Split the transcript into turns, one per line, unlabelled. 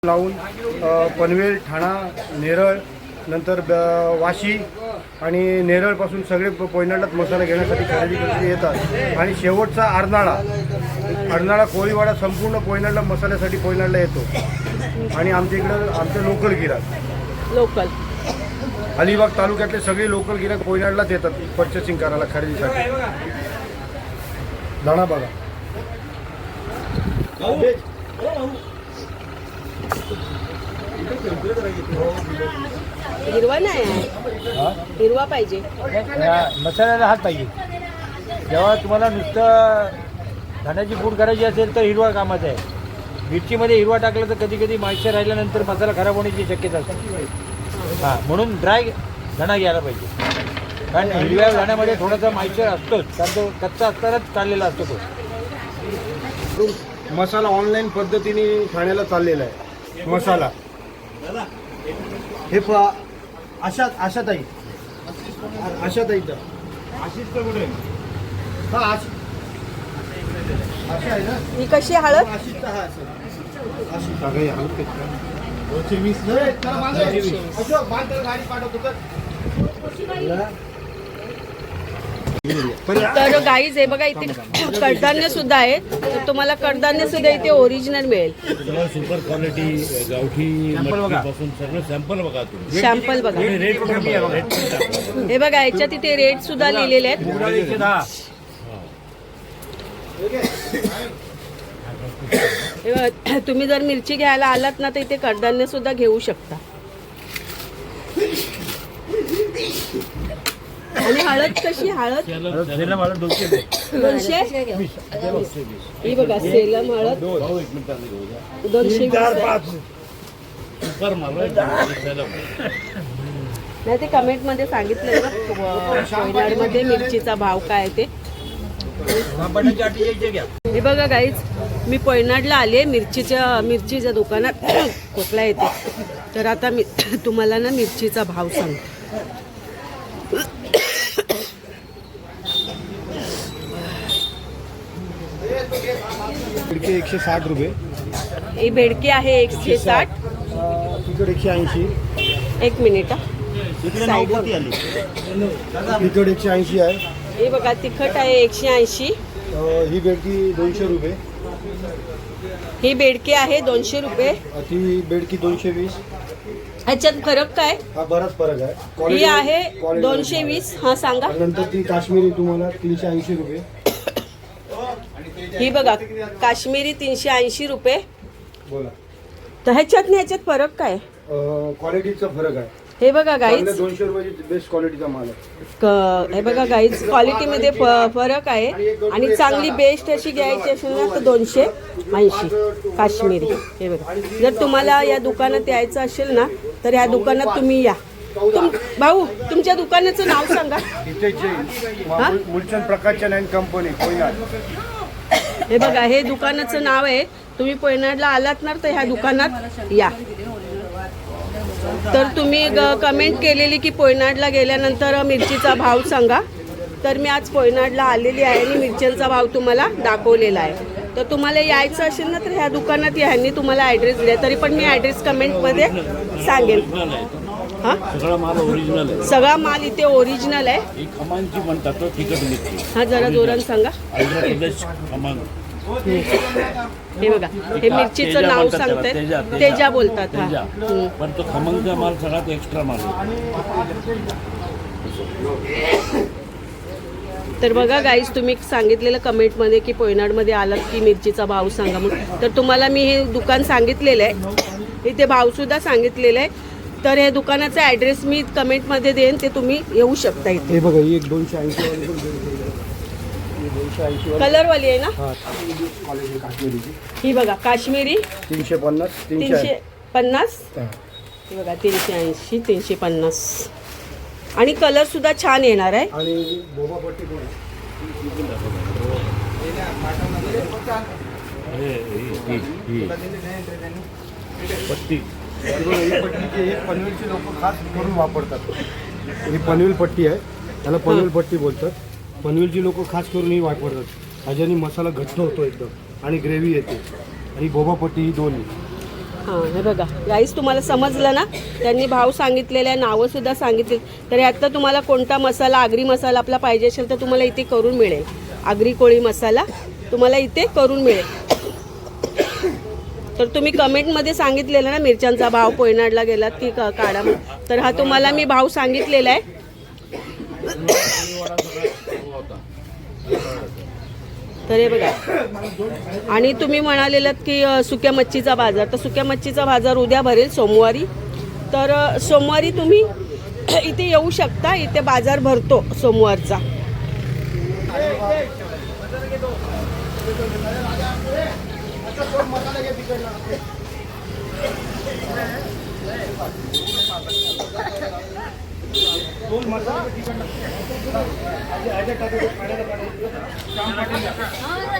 लावून पनवेल, ठाणा, नेरळ, नंतर वाशी आणि नेरळपासून सगळे पोयनाडलाच मसाला घेण्यासाठी खरेदी येतात. आणि शेवटचा अर्नाळा कोळीवाडा संपूर्ण पोयनाडला मसाल्यासाठी पोयनाडला येतो. आणि आमच्या इकडं आमचे लोकल गिराक अलिबाग तालुक्यातले सगळे लोकल गिराक पोयनाडलाच येतात पर्चेसिंग करायला, खरेदीसाठी. दाणा बघा,
हिरवा नाही, हिरवा पाहिजे.
मसाल्याला हात पाहिजे. जेव्हा तुम्हाला नुसतं धान्याची पूड करायची असेल तर हिरवा कामाचा आहे. मिरचीमध्ये हिरवा टाकलं तर कधी कधी मॉइश्चर राहिल्यानंतर मसाला खराब होण्याची शक्यता असते. हां, म्हणून ड्राय धणा घ्यायला पाहिजे. कारण हिरव्या धाण्यामध्ये थोडासा मॉइश्चर असतोच, कारण तो कच्चा असतानाच काढलेला असतो तो.
मसाला ऑनलाईन पद्धतीने ठाण्याला चाललेला आहे. मसाला हे आशा ताई आहे ना.
ही कशी हळद? तर गाईज हे बघा, इथे कडधान्य सुद्धा आहे. तर तुम्हाला कडधान्य सुद्धा इथे ओरिजिनल मिळेल.
सुपर क्वालिटी गावठी पासून सगळं सॅम्पल बघा तुम्ही.
सॅम्पल बघा. हे बघा, याच्यात इथे रेट सुद्धा लिहिलेले आहेत. हे बघा, तुम्ही जर मिरची घ्यायला आलात ना तर इथे कडधान्य सुद्धा घेऊ शकता. आणि हळद कशी? हळद 200. ही बघा, सेलम हळद 220. नाही, ते कमेंट मध्ये सांगितलं मध्ये मिरचीचा भाव काय ते. हे बघा गाईज, मी पोयनाडला आले मिरचीच्या दुकानात. खोकला येते, तर आता मी तुम्हाला ना मिरचीचा भाव सांगते.
बेडके 160 रुपये.
ही बेडकी आहे 160.
तिकड 180.
एक मिनिट.
तिकड 180 आहे.
हे बघा, तिखट आहे 180.
ही बेडकी 200 रुपये.
ही बेडकी आहे 200 रुपये.
ती बेडकी 220.
ह्याच्यात फरक काय?
हा बराच फरक आहे.
ही आहे 220. हा सांगा.
नंतर ती काश्मीरी तुम्हाला 380 रुपये.
ही बघा, काश्मीरी 380 रुपये.
बोला.
तर ह्याच्यात फरक काय?
क्वालिटीचा फरक आहे.
हे बघा गाईज,
200 रुपयाची बेस्ट क्वालिटीचा माल आहे.
हे बघा गाईज, क्वालिटीमध्ये फरक आहे. आणि चांगली बेस्ट अशी घ्यायची असेल ना तर 280 काश्मीरी. हे बघा, जर तुम्हाला या दुकानात यायचं असेल ना तर ह्या दुकानात तुम्ही या. भाऊ, तुमच्या दुकानाचं नाव सांगा.
मुलचंद प्रकाशन अँड कंपनी, पोयनाड.
हे बघा, हे दुकानाचं नाव आहे. तुम्ही पोयनाडला आलात ना तर ह्या दुकानात या. तर तुम्ही कमेंट केलेली की पोयनाडला गेल्यानंतर मिरचीचा भाव सांगा. तर मी आज पोयनाडला आलेली आहे आणि मिरच्यांचा भाव तुम्हाला दाखवलेला आहे. तर तुम्हाला यायचं असेल ना तर ह्या दुकानात या. ह्यांनी तुम्हाला ॲड्रेस दिला, तरी पण मी ॲड्रेस कमेंटमध्ये सांगेन. हां,
सगळा माल ओरिजिनल आहे.
सगळा माल इथे ओरिजिनल आहे.
ही खमांची म्हणतात तो तिखट मिरची.
हा, जरा जोरान सांगा.
आंध्र प्रदेश खमांग.
हे बघा, हे मिरचीचं नाव सांगतायत. तेजा बोलतात. हा,
पण तो खमंगचा माल सगळ्यात एक्स्ट्रा माल.
तर बघा गाईज, तुम्ही सांगितलेलं कमेंटमध्ये की पोयनाडमध्ये आलात की मिरचीचा भाव सांगा म्हणून. तर तुम्हाला मी हे दुकान सांगितलेलं आहे, इथे भावसुद्धा सांगितलेलं आहे. तर हे दुकानाचा ॲड्रेस मी कमेंटमध्ये देईन, ते तुम्ही येऊ शकता इथे.
हे बघा, ही एक 280 वाली
कलरवाली आहे ना.
काश्मीरीची
ही बघा, काश्मीरी
350.
350. हे बघा, 380, 350. आणि कलर सुद्धा छान येणार आहे.
आणि बोबा पट्टी पण
पट्टी.
पनवेलची लोक खास करून वापरतात. ही पनवेल पट्टी आहे, त्याला पनवेल पट्टी बोलतात. पनवेलची लोक खास करून ही वापरतात. ह्याच्याने मसाला घट्ट होतो एकदम आणि ग्रेव्ही येते. आणि बोबा पट्टी ही दोन्ही.
हां हे बघा गाईस तुम्हाला समजलं ना, त्यांनी भाव सांगितलेले आहे, नावंसुद्धा सांगितली. तर ह्यातला तुम्हाला कोणता मसाला, आगरी मसाला आपला पाहिजे असेल तर तुम्हाला इथे करून मिळेल. आगरी कोळी मसाला तुम्हाला इथे करून मिळेल. तर तुम्ही कमेंटमध्ये सांगितलेलं ना मिरच्यांचा भाव पोयनाडला गेलात की काढा, तर हा तुम्हाला मी भाव सांगितलेला आहे. तर हे बघा, आणि तुम्ही म्हणालेलात की सुक्या मच्छीचा बाजार, तर सुक्या मच्छीचा बाजार उद्या भरेल सोमवारी. तर सोमवारी तुम्ही इथे येऊ शकता, इथे बाजार भरतो सोमवारचा.
दोन मसाले